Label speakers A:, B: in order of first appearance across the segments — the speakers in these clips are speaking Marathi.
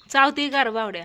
A: चावती गार बावड्या.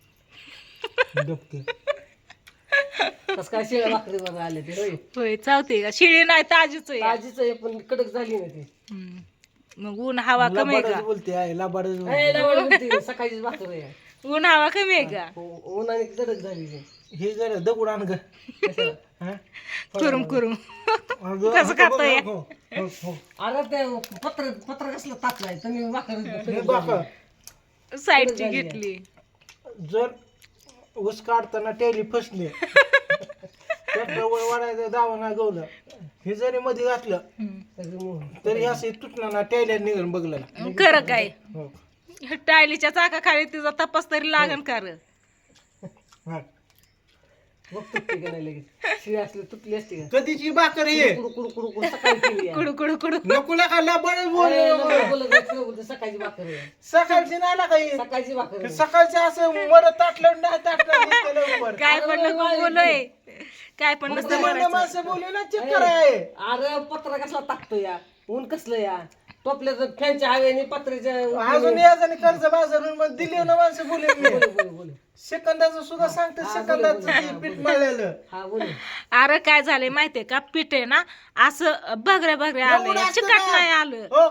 B: डबके
C: कसं काय शिळ्या भाकरीवर आले ते होय
A: होय चावते का? शिळी नाही ताजीच आहे.
C: ताजीच आहे पण कडक झाली ना ती
A: हम्म. मग ऊन हवा कमी आहे
B: लबाडच
A: का?
B: बोलते आहे लबाडच बोलते.
C: ए, लवड होती, सकाळचीच भाकर आहे
A: ऊन हवा कमी आहे का?
C: उन्हाने कडक झाली ती.
B: हे जरा दगड आण ग
C: कशाला?
B: हा?
A: कुरुम कुरुम.
B: अगं,
A: कसं खातोय?
B: हो, हो, हो.
C: अरे ते पत्र पत्र कसलं तापलाय तुम्ही भाकर
B: हे बघा,
A: साईडची घेतली.
B: जर ऊस काढताना टेली फसली ट्रॅक्टरवर वाढायचं दावा ना गवलं हे जरी मध्ये घातलं तरी असे तुटणार ना टेल्या निघून बघलं
A: खरं काय?
B: हो.
A: टायलीच्या चाकाखाली तिचा तपास तरी लागन का र?
B: हा.
C: बघ तुटली का नाही लगेच शिळी असली तुटली असते का
B: कधीची भाकर ये
C: कुडू कुडू कुडू कुडू सकाळी केली आहे.
A: कुडू कुडू कुडू.
B: नको ना खाल्ला बरंच
C: अरे,
B: बोल
C: नको बोलत जाऊ, नको बोलत, सकाळची भाकर आहे
B: सकाळची नाही ना काही
C: सकाळची भाकर आहे.
B: सकाळचं असं मरत ताटलं नाही ताटलं लवकर
A: काय पण नको बोलोय. काय पण नसतं
B: म्हणणं
A: करायचं.
B: माणसं बोलू ना चक्कर आहे
C: अरे पत्रा कसला टाकतो या ऊन कसलं या टोपल्याचं फॅनच्या हवेने पत्र्याच्या
B: अजून याचं कर्ज बाजारून मग दिली ना माणसं बोलू
C: बोल बोल
B: सेकंदाचं सुद्धा सांगते सेकंदाचं ते पीठ मळलेलं
C: हा बोल
A: अरे काय झालंय माहितीये का? पीठ आहे ना असं बगऱ्या बगऱ्या
B: एवढं
A: आलं,
B: असतं
A: चिकट
B: का?
A: नाही आलं.
B: हो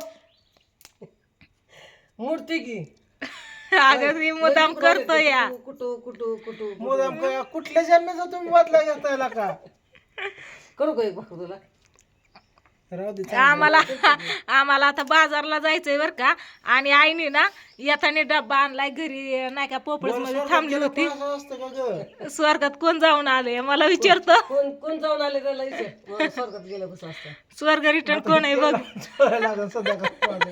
C: मूर्ती की
A: अगं मी मुदाम करतो या.
C: कुटू कुटू कुटू
B: मुदाम काय कुठल्या जन्माचा तुम्ही बदला घेतायला का
C: करू का एक भाकर तुला
B: राहू दे
A: आम्हाला आता बाजारला जायचंय बर का. आणि आईने ना येताना डब्बा आणलाय घरी नाही का पोपळस मध्ये थांबली होती.
B: असं असतं का ग
A: स्वर्गात कोण जाऊन आले मला विचारतो.
C: कोण कोण जाऊन आले त्याला विचार मग स्वर्गात गेलं कसं असतं
A: स्वर्ग रिटर्न कोण आहे बघ.
B: लागेल संध्याकाळ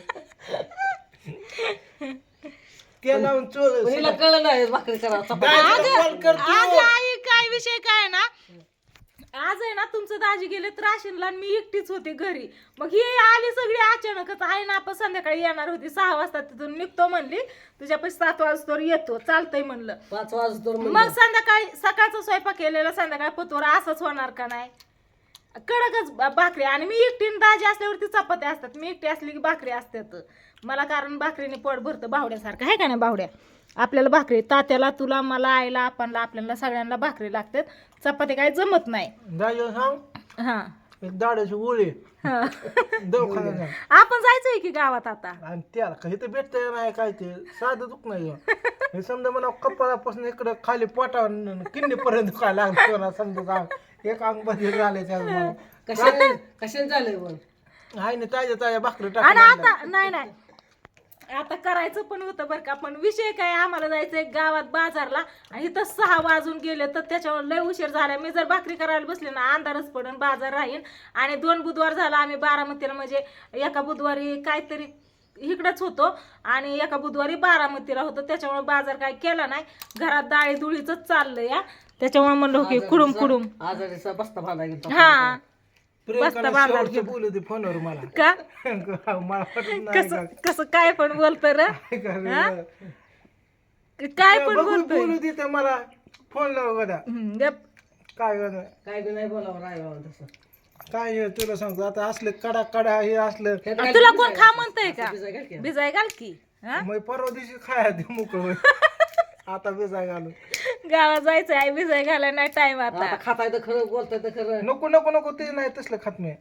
B: केला
C: पण हिला कळलं नाही भाकरी करा
B: कॉल करतो
A: आज आई काय विषय काय ना, आज आहे ना तुमचं दाजी गेले राशीनला आणि मी एकटीच होते घरी. मग ही आली सगळी अचानकच. आहे ना आपण संध्याकाळी येणार होती 6 वाजता तिथून निघतो म्हणली. तुझ्यापाशी 7 वाजता येतो चालतंय म्हणलं.
C: 5 वाजता
A: मग संध्याकाळी सकाळचा स्वयंपाक केलेला संध्याकाळी पतोरा असंच होणार का नाही? कडकच भाकरी. आणि मी एकटीने दाजी असल्यावरती चपात्या असतात, मी एकटी असली की भाकरी असतात मला. कारण भाकरीने पोट भरतं बावड्यासारखं आहे का नाही बावड्या? आपल्याला भाकरी तात्याला तुला मला आईला आपणला आपल्याला सगळ्यांना भाकरी लागतात. चपाती काय जमत नाही.
B: दादा सांग
A: हा
B: एक दाड्याची गोळी
A: हा.
B: दवाखान्यात
A: आपण जायचंय की गावात आता?
B: आणि त्याला काही तर भेटतंय नाही काय ते साधं दुख नाही हे समजा मला कपाळापासून इकडं खाली पोटावर किडनीपर्यंत दुखायला लागतो समजा सांग एक अंग बदल झाले त्या
C: कशाने झालंय पण
B: आहे ना ताज्या भाकरी
A: आणि
B: टाकून
A: आता नाही आता करायचं पण होतं बरं का. पण विषय काय, आम्हाला जायचंय गावात बाजारला आणि इथं 6 वाजून गेले तर त्याच्यावर लय उशीर झाला. मी जर भाकरी करायला बसले ना अंधारच पडून बाजार राहीन. आणि 2 बुधवार झाला आम्ही बारामतीला, म्हणजे एका बुधवारी काहीतरी इकडंच होतो आणि एका बुधवारी बारामतीला होतो. त्याच्यामुळे बाजार काय केला नाही. घरात डाळी दुळीच चाललंय या. त्याच्यामुळे म्हणलं की कुडूम कुडूम
C: आजारीचा बस्ता बांधा गेला
A: हा
B: प्रियंकाला
A: बांधायला
B: शेवटचं बोलू दे फोनवर मला
A: का
B: मला वाटत नाही
A: कसं कसं काय पण बोलतो र
B: का.
A: काय पण
B: बघू
A: बोलतोय.
B: बोलू दे तर मला फोन लाव गदा
A: गप.
B: काय गं,
C: काय बी नाही बोलावं राहावं तसं
B: काय हे तुला सांगतो आता असलं कडा कडा हे असलं
A: तुला कोण खा म्हणतंय का? भिजाय घाल की. हा
B: मग परवा दिवशी खाया ते मोकळ आता बेजा घालून
A: गावात जायचंय आई भिजाय घालाय नाही टाइम आता.
C: आता खाताय तर खरं बोलताय तर खरं
B: नको नको नको ते नाही तसलं खात नाही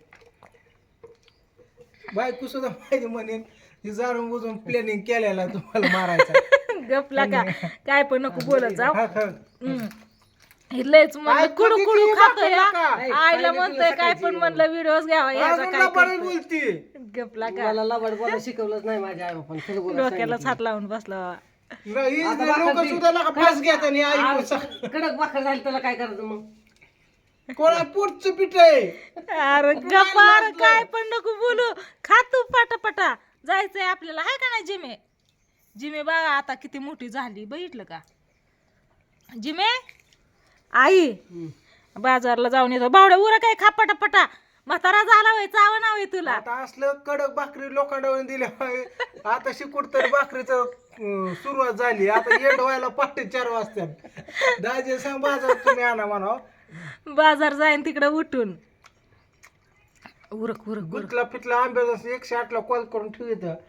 B: बायको सुद्धा माहिती म्हणेन ही जाणून बुजून प्लॅनिंग केलेला तुम्हाला मारायचा
A: गपला का काय पण नको बोलत जाऊ.
B: हा, खा.
A: हे लयच म्हणलं
B: काय
A: कुडू
B: कधी
A: कुडू
B: ती
A: खातोय
B: बापरे
A: हा.
B: नका.
A: आईला म्हणतोय काय पण म्हणलं व्हिडिओज घ्यावा याचा
B: अजून
A: काय
B: लबाडच
A: करतोय.
B: बोलती
A: गपला का
C: मला लबाड बोलायला शिकवलंच नाही माझ्या आई बापाने खरं बोला
A: डोक्यालाच हात लावून बसला.
B: लोक सुद्धा नका फास घेत आणि आई
C: कडक भाकर झाली त्याला काय करायचं मग
B: कोणा पोटचं पीठ आहे
A: अरे गपार काय पण नको बोलू. खा तू पटापटा. जायचंय आपल्याला आहे का नाही जिमे? जिमे बघा आता किती मोठी झाली बघितलं का? जिमे आई बाजारला जाऊन येतो. बावड्या उरा काय खा पटापटा. म्हातारा झाला वय चावा नाव आहे तुला.
B: आता असलं कडक भाकरी लोखंडावर दिल्या आता शिकूड तर भाकरीचं सुरुवात झाली. आता एंड व्हायला 4:30 वाजतात. दाजे सांग बाजार तुम्ही आणा म्हणा
A: बाजार जाईन तिकडे उठून उरक उरक उरक.
B: गुतला पिटला आंब्याचा 108 ला कॉल करून ठेवित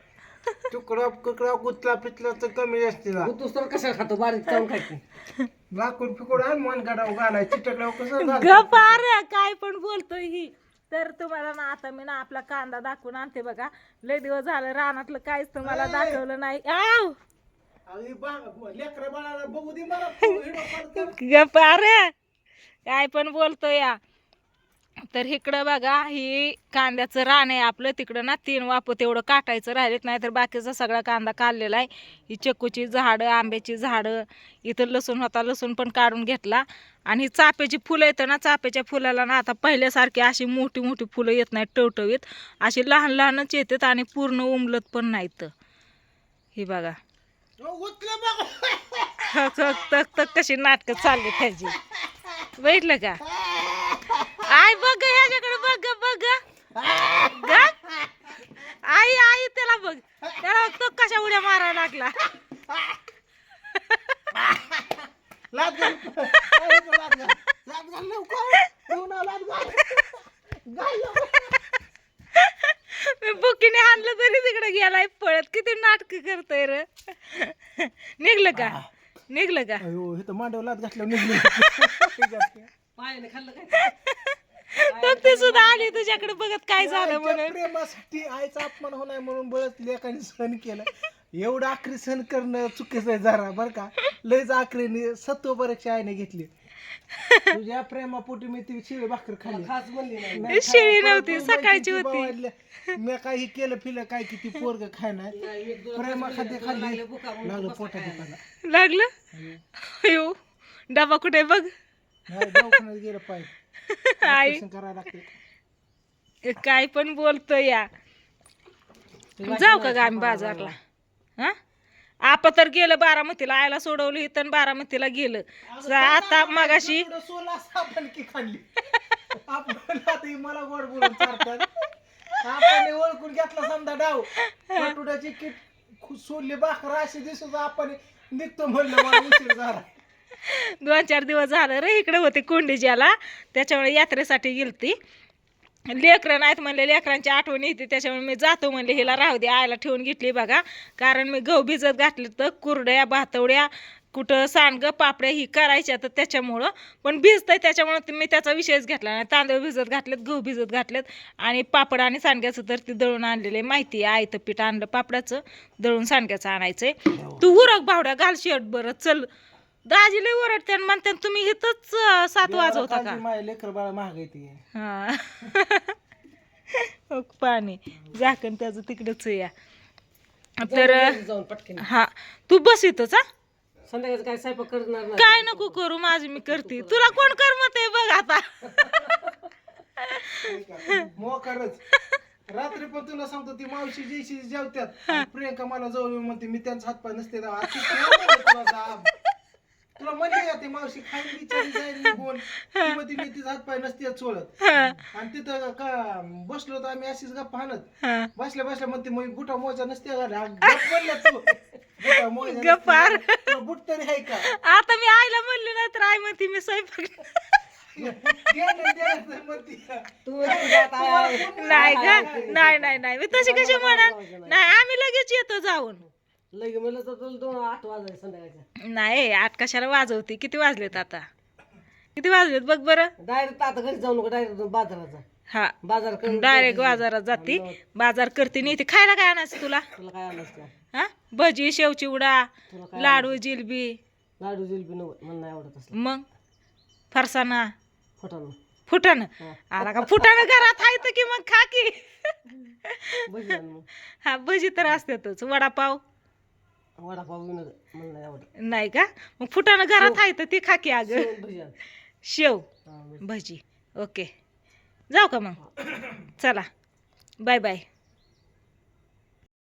B: तुकडा कुकडा गुतला पितला तर कमी जास्त
C: तूच तर कशाला खातो बारीक चावून खायची
B: लाकूड फिकूड आणि मन गाडाव घालायची चिटकल्यावर कसं झालं?
A: गपार काय पण बोलतोय ही. तर तुम्हाला ना आता मी ना आपला कांदा दाखवून आणते बघा. लय दिवस झालं रानातलं काहीच तुम्हाला दाखवलं नाही. आव
B: अरे लेकरं बाळाला बघू दे मला व्हिडिओ कॉल कर.
A: गपार काय पण बोलतोय या. तर इकडं बघा ही कांद्याचं रान आहे आपलं. तिकडं ना 3 वाप तेवढं काटायचं राहिलेत, नाही तर बाकीचा सगळा कांदा काढलेला आहे. ही चिकूची झाडं, आंब्याची झाडं, इथं लसूण होता, लसूण पण काढून घेतला. आणि ही चाफ्याची फुलं येतं ना, चाफ्याच्या फुलाला ना आता पहिल्यासारखी अशी मोठी मोठी फुलं येत नाहीत टवटवीत, अशी लहान लहानच येतात आणि पूर्ण उमलत पण नाहीत. ही बघा
B: उचलं बघ.
A: तक तक तक कशी नाटकं चालली त्याची. बघितलं का? आई बघ ह्याच्याकडे बघ बघ ग. आई आई त्याला बघ, त्याला तो कशा उड्या मारायला लागला.
B: लाद घाल. लाद घाल. लाद घाल लवकर. घेऊन आ, लाद घाल. घाल लवकर.
A: मी बुकीने आणलं तरी तिकडे गेलाय पळत. किती नाटक करतोय र. निघलं का? निघलं का?
B: अयो हे तर मांडव लाद घातल्यावर निघली.
C: पायाने खाल्लं काय
A: तर ते सुद्धा आली तुझ्याकडे बघत काय झालं म्हणून.
B: प्रेमासाठी आईचा अपमान होणार म्हणून बळच लेकाने सहन केलं. एवढं आखरी सहन करणं चुकीचं आहे जरा बरं का. लयच आखरीने सत्व परीक्षा आईने घेतली. तुझ्या प्रेमापोटी मी ती शिळी भाकर खाल्ली.
C: खास म्हणली नाही
A: शिळी नव्हती, सकाळची होती.
B: मी काही केलं फिलं काय किती पोरग खायना प्रेमा खाते खाल्ली लागलं पोटा दुखायला.
A: लागलं अयो डबा कुठे बघ.
B: नाही, दवाखान्यात गेलं पाहिजे.
A: आई
B: ऑपरेशन करायला लागते.
A: काय पण बोलतोय या. जाऊ का ग आम्ही बाजारला? हा आपण तर गेलं बारामतीला, आयला सोडवलं इथं बारामतीला गेलं. आता मगाशी
B: एवढं सोला साबण की खाल्ली. आपण आता ही मला गोड बोलून चालतात. आपण ओळखून घेतला समजा डाव पटुड्याची किट सोडली भाकर अशी दिसत आपण निघतो म्हणलं मला उशीर झाला.
A: 2-4 दिवस झालं रे इकडे होते कोंडीज्याला, त्याच्यामुळे यात्रेसाठी गेलती. लेकरं नाहीत म्हणले, लेकरांची आठवण येते, त्याच्यामुळे मी जातो म्हणले हिला राहू दे. आयला ठेवून घेतली बघा. कारण मी गहू भिजत घातले तर कुरड्या भातवड्या कुठं सांडगं पापड्या ही करायच्या, तर त्याच्यामुळं पण भिजतंय त्याच्यामुळं मी त्याचा विषयच घेतला नाही. तांदूळ भिजत घातलेत, गहू भिजत घातलेत आणि पापड आणि सांडग्याचं तर ती दळून आणलेलं आहे माहिती आहे. आयतं पीठ आणलं पापडाचं, दळून सांडग्याचं आणायचंय. तू उरक भावड्या घाल शर्ट बरं चल. दाजी लय ओरडते आणि म्हणते तुम्ही इथंच 7 वाजवता का?
B: माझ्या लेकर बाळा महाग येते.
A: हा पाणी झाकण त्याचं तिकडच या. तर
C: जाऊन पटकन
A: हा तू बस इथंच. हा
C: संध्याकाळचं काय स्वयंपाक करणार नाही
A: काय नको करू, माझी मी करते. तुला कोण करमत आहे बघ आता.
B: मोकारच रात्री पण तुला सांगतो ती मावशी जयशी जेवत्यात प्रियंका मला जवळ म्हणते मी त्यांचा हातपाय नसते तुला म्हणले ती मावशी खाईन बिचारी जाईल निघून ती म्हणते मी तिचा हातपाय नसते सोडत. आणि तिथं का बसलो तर आम्ही अशीच गप्पा हाणत बसल्या बसल्या म्हणते मग बुटा मोजा नसते म्हणल्या तू
A: गप्पार
B: बुट तरी आहे का?
A: आता मी आईला म्हणले नाही तर आई म्हणते मी स्वयंपाक नाही का? नाही नाही नाही मी तशी कशी म्हणा. नाही आम्ही लगेच येतो जाऊन.
C: लगे म्हणलं तर तुला 8 वाजायचे संध्याकाळच्या.
A: नाही 8 कशाला वाजवते. किती वाजलेत आता? किती वाजलेत बघ बरं.
C: डायरेक्ट आता घरी जाऊ नको, डायरेक्ट बाजाराचा
A: हा
C: बाजार करून
A: डायरेक्ट बाजारात जाते, बाजार करते. नाही खायला काय आणायचं तुला?
C: तुला काय आणायचं का?
A: हा भजी शेव चिवडा
C: तुला काय
A: लाडू जिलबी
C: लाडू जिलबी म्हणून नाही आवडत असलं
A: मग फरसाना
C: फटानं
A: फुटाणं. आला का फुटाणं घरात आहे तर की मग खा की.
C: भजी आण मग.
A: हा भजी तर असतातच. वडापाव
C: वडापाव विनोद मला नाही आवडत.
A: नाही का? मग फुटाणं घरात आहे तर ती खा की. अगं
C: शेवण भजी आण.
A: शेव
C: हा,
A: भजी. ओके जाऊ का मग? चला बाय बाय.